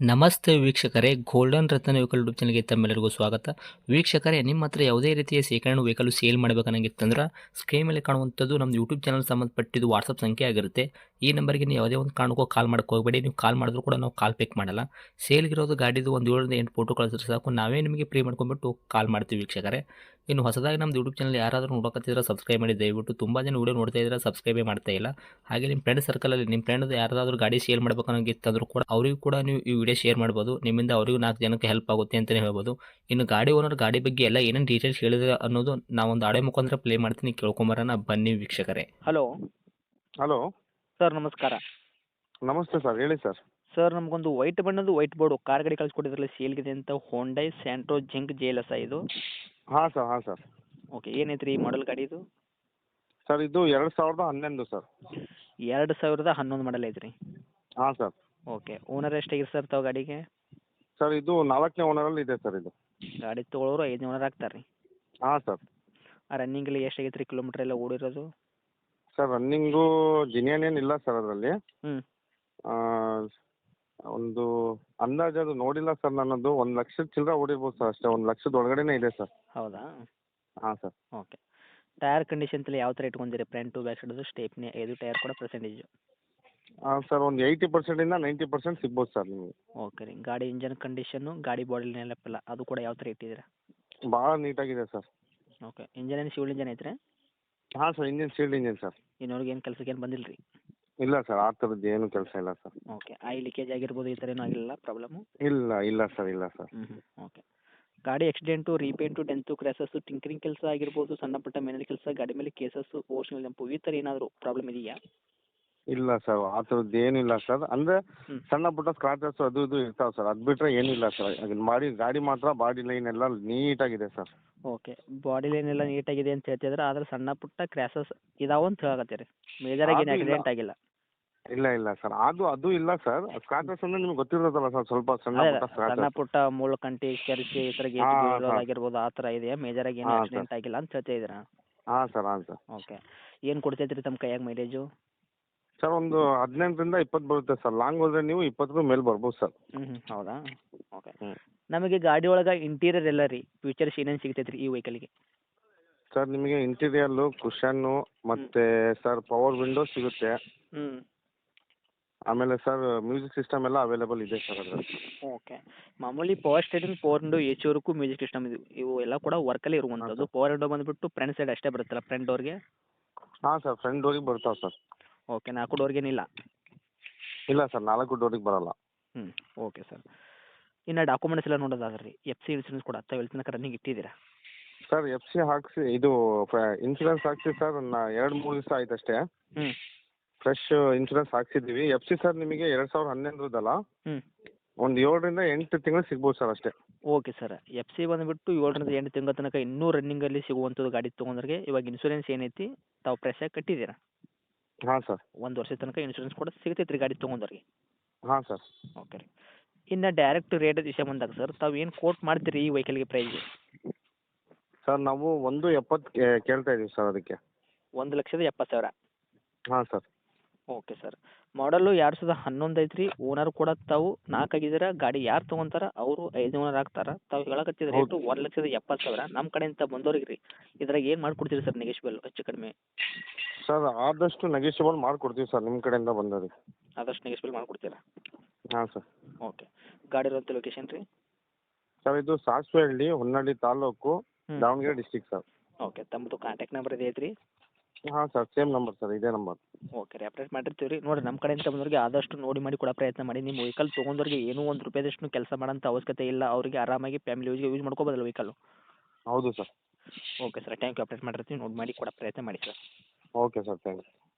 ನಮಸ್ತೆ ವೀಕ್ಷಕರೇ, ಗೋಲ್ಡನ್ ರತ್ನ vehicle YouTube ಚಾನಲ್ಗೆ ತಮ್ಮೆಲ್ಲರಿಗೂ ಸ್ವಾಗತ. ವೀಕ್ಷಕರೇ, ನಿಮ್ಮ ಹತ್ರ ಯಾವುದೇ ರೀತಿಯ ಶೇಖರಣೆ ವೆಹಿಕಲ್ ಸೇಲ್ ಮಾಡಬೇಕನ್ನಂಗಿತ್ತಂದ್ರೆ ಸ್ಕ್ರೀನ್ ಮೇಲೆ ಕಾಣುವಂಥದ್ದು ನಮ್ಮ ಯೂಟ್ಯೂಬ್ ಚಾನಲ್ ಸಂಬಂಧಪಟ್ಟಿದ್ದು ವಾಟ್ಸಪ್ ಸಂಖ್ಯೆ ಆಗಿರುತ್ತೆ. ಈ ನಂಬರ್ಗೆ ನೀವು ಯಾವುದೇ ಒಂದು ಕಾರಣಕ್ಕೂ ಕಾಲ್ ಮಾಡೋಕೆ ಹೋಗಬೇಡಿ. ನೀವು ಕಾಲ್ ಮಾಡಿದ್ರು ಕೂಡ ನಾವು ಕಾಲ್ ಪಿಕ್ ಮಾಡಲ್ಲ. ಸೇಲ್ಗಿರೋದು ಗಾಡಿದು ಒಂದು 7ರಿಂದ 8 ಫೋಟೋ ಕಳಿಸಿದ್ರೆ ಸಾಕು, ನಾವೇ ನಿಮಗೆ ಪ್ರೀ ಮಾಡ್ಕೊಂಡ್ಬಿಟ್ಟು ಕಾಲ್ ಮಾಡ್ತೀವಿ ವೀಕ್ಷಕರೇ. ಇನ್ನು ಹೊಸದಾಗಿ ನಮ್ಮದು ಯೂಟ್ಯೂಬ್ ಚಾನಲ್ ಯಾರಾದರೂ ನೋಡೋಕತ್ತಿದ್ರೆ ಸಬ್ಸ್ಕ್ರೈಬ್ ಮಾಡಿ ದಯವಿಟ್ಟು. ತುಂಬ ಜನ ವೀಡಿಯೋ ನೋಡ್ತಾ ಇದ್ದಾರೆ, ಸಬ್ಸ್ಕ್ರೈಬೇ ಮಾಡ್ತಾ ಇಲ್ಲ. ಹಾಗೆ ನಿಮ್ಮ ಫ್ರೆಂಡ್ ಸರ್ಕಲಲ್ಲಿ ನಿಮ್ಮ ಫ್ರೆಂಡ್ ಯಾರಾದರೂ ಗಾಡಿ ಸೇಲ್ ಮಾಡಬೇಕನ್ನೋಂಗಿತ್ತಂದ್ರೂ ಕೂಡ ಅವರಿಗೂ ಕೂಡ ನೀವು ಈ ವಿಡಿಯೋ ಶೇರ್ ಮಾಡ್ಬೋದು. ನಿಮ್ಮಿಂದ ಅವರಿಗೂ 4 ಜನಕ್ಕೆ ಹೆಲ್ಪ್ ಆಗುತ್ತೆ ಅಂತಲೇ ಹೇಳ್ಬೋದು. ಇನ್ನು ಗಾಡಿ ಓನರ್ ಗಾಡಿ ಬಗ್ಗೆ ಎಲ್ಲ ಏನೇನು ಡೀಟೇಲ್ಸ್ ಹೇಳಿದ್ರೆ ಅನ್ನೋದು ನಾವೊಂದು ಆಡಿಯೋ ಮುಖಾಂತರ ಪ್ಲೇ ಮಾಡ್ತೀನಿ, ಕೇಳ್ಕೊಂಬರೋಣ ಬನ್ನಿ ವೀಕ್ಷಕರೇ. ಹಲೋ ಹಲೋ ಸರ್, ನಮಸ್ಕಾರ. ನಮಸ್ತೆ ಸರ್, ಹೇಳಿ ಸರ್. ಸರ್, ನಮಗೊಂದು ವೈಟ್ ಬಣ್ಣದ್ದು ವೈಟ್ ಬೋರ್ಡು ಕಾರ್ ಗಾಡಿ ಕಳಿಸ್ಕೊಟ್ಟಿದ್ರಲ್ಲ ಸೇಲ್ಗಿದೆ ಅಂತ, ಹೋಂಡೈ ಸ್ಯಾಂಟ್ರೋ ಜಿಂಕ್ JLS ಇದು. ಹಾಂ ಸರ್, ಹಾಂ ಸರ್. ಓಕೆ, ಏನೈತೆ ರೀ ಮಾಡಲ್ ಗಾಡಿ ಇದು? ಸರ್ ಇದು 2011 ಸರ್. 2011 ಮಾಡಲ್ ಐತೆ ರೀ. ಹಾಂ ಸರ್. ಓಕೆ, ಓನರ್ ಎಷ್ಟಾಗಿರಿ ಸರ್ ತಾವು ಗಾಡಿಗೆ? ಸರ್ ಇದು 4ನೇ ಓನರಲ್ಲಿ ಇದೆ ಸರ್ ಇದು. ಗಾಡಿ ತೊಗೊಳೋರು 5 ಓನರ್ ಆಗ್ತಾರೆ ರೀ. ಹಾಂ ಸರ್. ರನ್ನಿಂಗಲ್ಲಿ ಎಷ್ಟಾಗೈತೆ ರೀ ಕಿಲೋಮೀಟ್ರ್ ಎಲ್ಲ ಓಡಿರೋದು? ಸರ್ ರನ್ನಿಂಗು ಜಿನಿಯನ್ ಏನಿಲ್ಲ ಸರ್ ಅದರಲ್ಲಿ. ಹ್ಞೂ. ಒಂದು ಅಂದಾಜು ಅದು ನೋಡಿಲ್ಲ ಸರ್ ನನ್ನದು. 1 ಲಕ್ಷದ ಚಿಲ್ಲರೆ ಓಡಿರ್ಬೋದು ಸರ್ ಅಷ್ಟೇ. 1 ಲಕ್ಷದ ಒಳಗಡೆನೇ ಇದೆ ಸರ್. ಹೌದಾ? ಹಾಂ ಸರ್. ಓಕೆ. ಟೈರ್ ಕಂಡೀಷನ್ ತಲೆ ಯಾವ ಥರ ಇಟ್ಕೊಂಡಿರಿ? ಫ್ರಂಟ್ ಟು ಬ್ಯಾಕ್ ಸೈಡದು ಸ್ಟೇಪ್ನಿ 5 ಟೈರ್ ಕೂಡ ಪರ್ಸೆಂಟೇಜು? ಸರ್ ಒಂದು 80%ಇಂದ 90% ಸಿಗ್ಬೋದು ಸರ್ ನಿಮಗೆ. ಓಕೆ ರೀ. ಗಾಡಿ ಇಂಜನ್ ಕಂಡೀಷನ್ನು, ಗಾಡಿ ಬಾಡಿ ನೆನಪಿಲ್ಲ ಅದು ಕೂಡ ಯಾವ ಥರ ಇಟ್ಟಿದ್ದೀರಾ? ಭಾಳ ನೀಟಾಗಿದೆ ಸರ್. ಓಕೆ. ಇಂಜನ್ ಏನು ಶಿವಲ್ ಇಂಜನ್ ಐತ್ರಿ? ಹಾಂ sir, engine sealed engine sir. ಇನ್ನೊರ್ಗೆ ಏನು ಕೆಲಸಕ್ಕೆ ಏನು ಬಂದಿಲ್ಲ ರೀ? ಇಲ್ಲ ಸರ್, ಆ ಥರದ್ದು ಏನು ಕೆಲಸ ಇಲ್ಲ ಸರ್. ಓಕೆ. ಆಯಿಲ್ ಲೀಕೇಜ್ ಆಗಿರ್ಬೋದು, ಈ ಥರ ಏನೂ ಆಗಿಲ್ಲ ಪ್ರಾಬ್ಲಮ್ಮು? ಇಲ್ಲ ಸರ್, ಇಲ್ಲ ಸರ್. ಓಕೆ. ಗಾಡಿ accident, repaint, dent, crashes, tinkering ಕೆಲಸ ಆಗಿರ್ಬೋದು, ಸಣ್ಣ ಪುಟ್ಟ ಮೇನಲ್ ಕೆಲಸ, ಗಾಡಿ ಮೇಲೆ ಕೇಸಸ್ಸು, ಓಷನಲ್ ಜಂಪು, ಈ ಥರ ಏನಾದರೂ ಪ್ರಾಬ್ಲಮ್ ಇದೆಯಾ? ಇಲ್ಲ ಸರ್, ಆ ಥರದ್ದು ಏನಿಲ್ಲ ಸರ್. ಅಂದರೆ ಹ್ಞೂ. ಸಣ್ಣ ಪುಟ್ಟ ಸ್ಕ್ರಾಚಸ್ ಅದು ಇದು ಇರ್ತಾವೆ ಸರ್. ಅದು ಬಿಟ್ಟರೆ ಏನಿಲ್ಲ ಸರ್. ಅದನ್ನ ಮಾಡಿ ಗಾಡಿ ಮಾತ್ರ ಬಾಡಿ ಲೈನ್ ಎಲ್ಲ ನೀಟಾಗಿದೆ ಸರ್. ಓಕೆ. ಬಾಡಿ ಲೈನ್ ಎಲ್ಲ ನೀಟಾಗಿದೆ ಅಂತ ಹೇಳ್ತಿದ್ರೆ, ಆದರೆ ಸಣ್ಣ ಪುಟ್ಟ ಕ್ರ್ಯಾಸಸ್ ಇದಾವೆ ಅಂತ ಹೇಳಕತ್ತೀರಿ. ಮೇಜರಾಗಿ ಏನು ಅದು ಇಲ್ಲ. ಆಕ್ಸಿಡೆಂಟ್ ಆಗಿಲ್ಲ? ಇಲ್ಲ ಸರ್, ಅದು ಇಲ್ಲ ಸರ್. ಸ್ಕ್ರಾಚಸ್ ಅಂದರೆ ನಿಮ್ಗೆ ಗೊತ್ತಿರೋದಲ್ಲ ಸರ್, ಸ್ವಲ್ಪ ಸಣ್ಣ ಅದೇ ಪುಟ್ಟ ಸಣ್ಣ ಸ್ಕ್ರಾಚಸ್. ಪುಟ್ಟ ಮುಳ್ಳು ಕಂಟಿ ಕೆರಿಸಿ ಈ ಥರ ಗೇಜ್ ಹಾಂ, ಬೀಳೋದಾಗಿರ್ಬೋದು, ಆ ಥರ ಇದೆಯಾ? ಮೇಜರಾಗಿ ಏನು ಹಾಂ, ಆಕ್ಸಿಡೆಂಟ್ ಆಗಿಲ್ಲ ಅಂತ ಹೇಳ್ತಾ ಇದ್ದೀರಾ? ಹಾಂ ಸರ್, ಹಾಂ ಸರ್. ಓಕೆ. ಏನು ಕೊಡ್ತೈತೆ ರೀ ತಮ್ಮ ಕೈಯಾಗ ಮೈಲೇಜು? ಸರ್ ಒಂದು 18ರಿಂದ 20 ಬರುತ್ತೆ ಸರ್. ಲಾಂಗ್ ಹೋದರೆ ನೀವು 20 ಮೇಲೆ ಬರ್ಬೋದು ಸರ್. ಹೌದಾ? ಓಕೆ. ಹ್ಞೂ. ನಮಗೆ ಗಾಡಿ ಒಳಗೆ ಇಂಟೀರಿಯರ್ ಎಲ್ಲ ರೀ ಫೀಚರ್ಸ್ ಏನೇನು ಸಿಗ್ತೈತೆ ರೀ ಈ ವೆಹಿಕಲ್ಗೆ? ಸರ್ ನಿಮಗೆ ಇಂಟೀರಿಯಲ್ಲು, ಕುಷನ್ನು ಮತ್ತು ಸರ್ ಪವರ್ ವಿಂಡೋ ಸಿಗುತ್ತೆ. ಹ್ಞೂ. ಆಮೇಲೆ ಸರ್ ಮ್ಯೂಸಿಕ್ ಸಿಸ್ಟಮ್ ಎಲ್ಲ ಅವೈಲೇಬಲ್ ಇದೆ ಸರ್ ಅದರಲ್ಲಿ. ಓಕೆ. ಮಾಮೂಲಿ power steering, power window, A C ವರೆಗೂ ಮ್ಯೂಸಿಕ್ ಸಿಸ್ಟಮ್ ಇವು ಎಲ್ಲ ಕೂಡ ವರ್ಕಲ್ಲೇ ಇರುವಂಥದ್ದು. ಪವರ್ ವಿಂಡೋ ಬಂದುಬಿಟ್ಟು ಫ್ರಂಟ್ ಸೈಡ್ ಅಷ್ಟೇ ಬರುತ್ತಲ್ಲ, ಫ್ರಂಟ್ ಡೋರ್ಗೆ? ಹಾಂ ಸರ್, ಫ್ರಂಟ್ ಡೋರಿಗೆ ಬರ್ತಾವೆ ಸರ್. ಓಕೆ. 4 ಡೋರ್ಗೇನಿಲ್ಲ? ಇಲ್ಲ ಸರ್, 4 ಡೋರಿಗೆ ಬರೋಲ್ಲ. ಹ್ಞೂ. Okay sir. ಇನ್ನು ಡಾಕ್ಯುಮೆಂಟ್ಸ್ ಎಲ್ಲ ನೋಡೋದಾದ್ರೆ ರೀ, FC ಇನ್ಸೂರೆನ್ಸ್ ಕೂಡ ತಾವು ಎಲ್ಲಿ ತನಕ ರನ್ನಿಂಗ್ ಇಟ್ಟಿದ್ದೀರಾ? ಸರ್ FC ಹಾಕಿಸಿ ಇದು ಇನ್ಸೂರೆನ್ಸ್ ಹಾಕಿಸಿ ಸರ್ 2-3 ದಿವಸ ಆಯ್ತು ಅಷ್ಟೇ. ಹ್ಞೂ. ಫ್ರೆಶ್ ಇನ್ಸೂರೆನ್ಸ್ ಹಾಕ್ಸಿದ್ದೀವಿ. FC ಸರ್ ನಿಮಗೆ 2011 ಹ್ಞೂ. ಒಂದು 7ರಿಂದ 8 ತಿಂಗಳು ಸಿಗ್ಬೋದು ಸರ್ ಅಷ್ಟೇ. Okay sir. FC ಬಂದುಬಿಟ್ಟು 7ರಿಂದ 8 ತಿಂಗಳ ತನಕ ಇನ್ನೂ ರನ್ನಿಂಗಲ್ಲಿ ಸಿಗುವಂಥದ್ದು ಗಾಡಿ ತೊಗೊಂಡ್ರಿಗೆ. ಇವಾಗ ಇನ್ಸೂರೆನ್ಸ್ ಏನೈತಿ ತಾವು ಫ್ರೆಶಾಗಿ ಕಟ್ಟಿದ್ದೀರಾ? ಹಾಂ ಸರ್. 1 ವರ್ಷದ ತನಕ ಇನ್ಸೂರೆನ್ಸ್ ಕೂಡ ಸಿಗ್ತೈತೆ ರೀ ಗಾಡಿ ತೊಗೊಂಡವ್ರಿಗೆ? ಹಾಂ ಸರ್. ಓಕೆ ರೀ. ಇನ್ನು ಡೈರೆಕ್ಟ್ ರೇಟ್ ವಿಷಯ ಬಂದಾಗ ಸರ್, ತಾವು ಏನು ಕೋಟ್ ಮಾಡ್ತೀರಿ ಈ ವೆಹಿಕಲ್ಗೆ ಪ್ರೈಸ್? ಸರ್ ನಾವು 1.70 ಕೇಳ್ತಾ ಇದ್ದೀವಿ ಸರ್ ಅದಕ್ಕೆ. 1,70,000? ಹಾಂ ಸರ್. Okay sir. ಮಾಡಲು 2011 ಐತ್ರಿ. ಓನರ್ ಕೂಡ ತಾವು 4 ಆಗಿದ್ದೀರಾ. ಗಾಡಿ ಯಾರು ತೊಗೊಂತಾರ ಅವರು 5 ಓನರ್ ಆಗ್ತಾರೆ. ತಾವು ಹೇಳಕತ್ತಿದ ರೇಟು 1,70,000. ನಮ್ಮ ಕಡೆಯಿಂದ ಬಂದವ್ರಿಗೆ ರೀ ಇದ್ರಾಗ ಏನು ಮಾಡ್ಕೊಡ್ತೀರಿ ಸರ್ ನೆಗೆಶ್ಬಲ್ ಹೆಚ್ಚು ಕಡಿಮೆ? ಸರ್ ಆದಷ್ಟು ನೆಗೆಷಿಯಬಲ್ ಮಾಡಿಕೊಡ್ತೀವಿ ಸರ್ ನಿಮ್ಮ ಕಡೆಯಿಂದ ಬಂದವ್ರಿಗೆ. ಆದಷ್ಟು ನೆಗೆಶ್ಬಲ್ ಮಾಡ್ಕೊಡ್ತೀರಾ? ಹಾಂ ಸರ್. ಓಕೆ. ಗಾಡಿ ಇರೋಂಥ ಲೊಕೇಶನ್ ರೀ? ಸರ್ ಇದು ಸಾಸ್ವೆಹಳ್ಳಿ, ಹೊನ್ನಾಳಿ ತಾಲೂಕು, ಹ್ಞೂ. Davanagere district sir. ಓಕೆ. ತಮ್ಮದು ಕಾಂಟ್ಯಾಕ್ಟ್ ನಂಬರ್ ಇದೆ ಐತ್ರಿ? ಹಾಂ ಸರ್, ಸೇಮ್ ನಂಬರ್ ಸರ್, ಇದೇ ನಂಬರ್. ಓಕೆ ರೀ. ಅಪ್ಡೇಟ್ ಮಾಡಿರ್ತೀವಿ ರೀ. ನೋಡಿರಿ, ನಮ್ಮ ಕಡೆಯಿಂದ ಬಂದವ್ರಿಗೆ ಆದಷ್ಟು ನೋಡಿ ಮಾಡಿ ಕೊಡೋ ಪ್ರಯತ್ನ ಮಾಡಿ. ನಿಮ್ಮ ವೆಹಿಕಲ್ ತೊಗೊಂಡವ್ರಿಗೆ ಏನೂ ₹1 ಕೆಲಸ ಮಾಡೋಂಥ ಅವಶ್ಯಕತೆ ಇಲ್ಲ. ಅವರಿಗೆ ಆರಾಮಾಗಿ ಫ್ಯಾಮಿಲಿ ಯೂಸ್ ಮಾಡ್ಕೋಬೋದಲ್ಲ ವೆಹಿಕಲ್ಲು? ಹೌದು sir. Okay sir. Thank you. Update ಮಾಡಿರ್ತೀವಿ, ನೋಡಿ ಮಾಡಿ ಕೊಡೋ ಪ್ರಯತ್ನ ಮಾಡಿ sir. Okay sir, thank you.